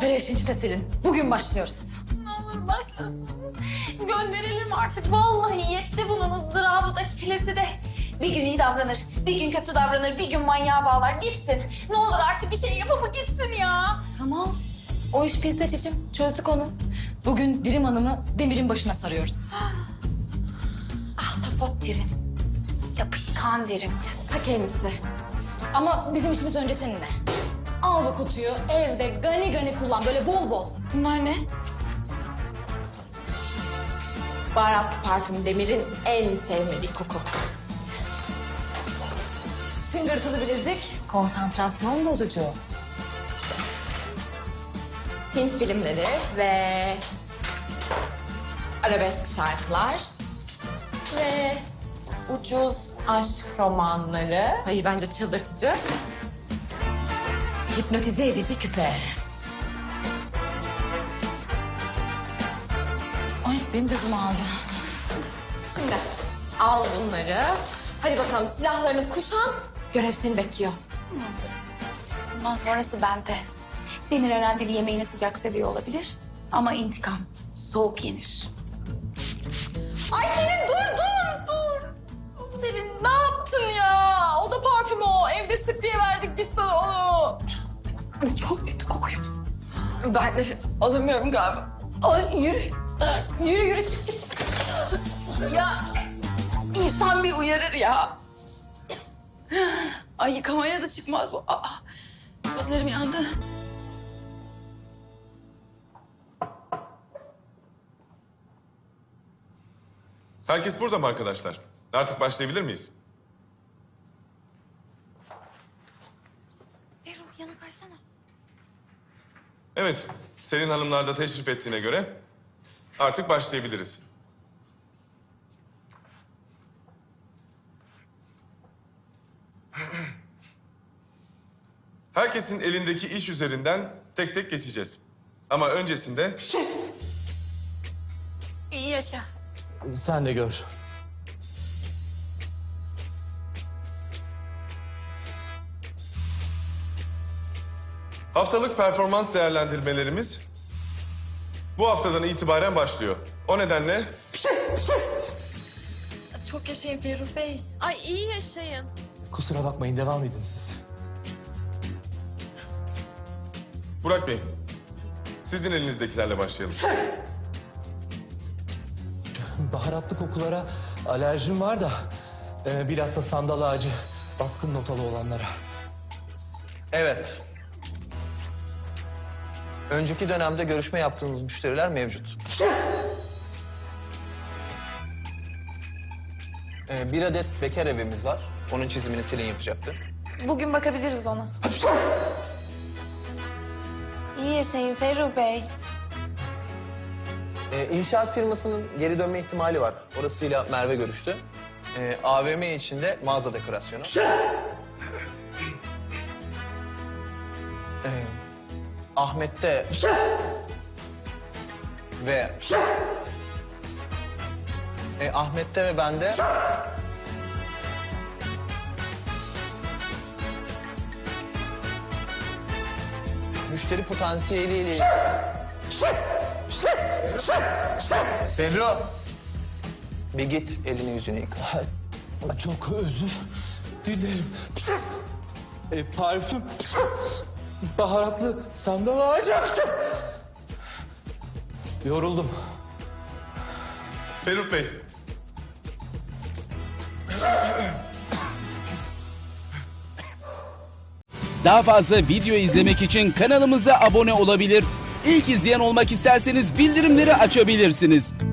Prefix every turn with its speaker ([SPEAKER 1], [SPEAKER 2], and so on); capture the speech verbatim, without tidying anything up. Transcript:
[SPEAKER 1] Operation Çitesel'in. Bugün başlıyoruz.
[SPEAKER 2] Ne olur başlasın. Gönderelim artık. Vallahi yetti bunun ızdırabı da çilesi de. Bir gün iyi davranır, bir gün kötü davranır, bir gün manyağa bağlar gitsin. Ne olur artık bir şey yapıp gitsin ya.
[SPEAKER 1] Tamam. O iş piste cicim. Çözdük onu. Bugün Dirim Hanım'ı Demir'in başına sarıyoruz.
[SPEAKER 2] Ahtapot derim. Yapışkan derim.
[SPEAKER 1] Ta kendisi. Ama bizim işimiz önce seninle. Al bu kutuyu evde gani gani kullan böyle bol bol.
[SPEAKER 2] Bunlar ne? Baharatlı parfüm Demir'in en sevmediği koku.
[SPEAKER 1] Tıngırtılı bilezik. Konsantrasyon bozucu.
[SPEAKER 2] Hint filmleri ve arabesk şarkılar ve ucuz aşk romanları.
[SPEAKER 1] Hayır bence çıldırtıcı. Hipnotize edici küpe. Ay benim de hızım aldı.
[SPEAKER 2] Şimdi al bunları. Hadi bakalım silahlarını kuşan. Görev seni bekliyor.
[SPEAKER 3] Bundan sonrası bende. Demir herhalde yemeğini sıcak seviyor olabilir. Ama intikam soğuk yenir.
[SPEAKER 1] Ay Selin dur dur dur. Selin ne yaptın ya? O da parfüm o. Evde spreye verdik biz sana onu.
[SPEAKER 2] Çok kötü kokuyor. Ben nefes alamıyorum galiba. Ay yürü. Yürü yürü çık çık çık. Ya insan bir uyarır ya.
[SPEAKER 3] Ay yıkamaya da çıkmaz bu. Aa, gözlerim yandı.
[SPEAKER 4] Herkes burada mı arkadaşlar? Artık başlayabilir miyiz?
[SPEAKER 3] Ferruh yana kaysana.
[SPEAKER 4] Evet, Selin Hanımlar da teşrif ettiğine göre artık başlayabiliriz. Herkesin elindeki iş üzerinden tek tek geçeceğiz. Ama öncesinde
[SPEAKER 3] İyi yaşa.
[SPEAKER 5] Sen de gör.
[SPEAKER 4] haftalık performans değerlendirmelerimiz bu haftadan itibaren başlıyor. O nedenle
[SPEAKER 3] Çok yaşayın Ferruh Bey.
[SPEAKER 2] Ay iyi yaşayın.
[SPEAKER 5] Kusura bakmayın, devam edin siz.
[SPEAKER 4] Burak Bey, sizin elinizdekilerle başlayalım.
[SPEAKER 5] Baharatlı kokulara alerjim var da... E, bilhassa sandal ağacı, baskın notalı olanlara.
[SPEAKER 6] Evet. Önceki dönemde görüşme yaptığımız müşteriler mevcut. Ee, bir adet bekar evimiz var. Onun çizimini Selin yapacaktı.
[SPEAKER 3] Bugün bakabiliriz ona. İyi yaşayın Ferruh Bey.
[SPEAKER 6] Ee, inşaat firmasının geri dönme ihtimali var. Orasıyla Merve görüştü. Ee, A V M içinde mağaza dekorasyonu. Ee, Ahmet'te ve e, Ahmet'te ve bende müşteri potansiyeliyle Ferro, bir git elini yüzünü yıka.
[SPEAKER 5] Çok özür dilerim. E, parfüm, baharatlı sandal ağacı. Yoruldum.
[SPEAKER 4] Ferruh Bey,
[SPEAKER 7] Daha fazla video izlemek için kanalımıza abone olabilir. İlk izleyen olmak isterseniz bildirimleri açabilirsiniz.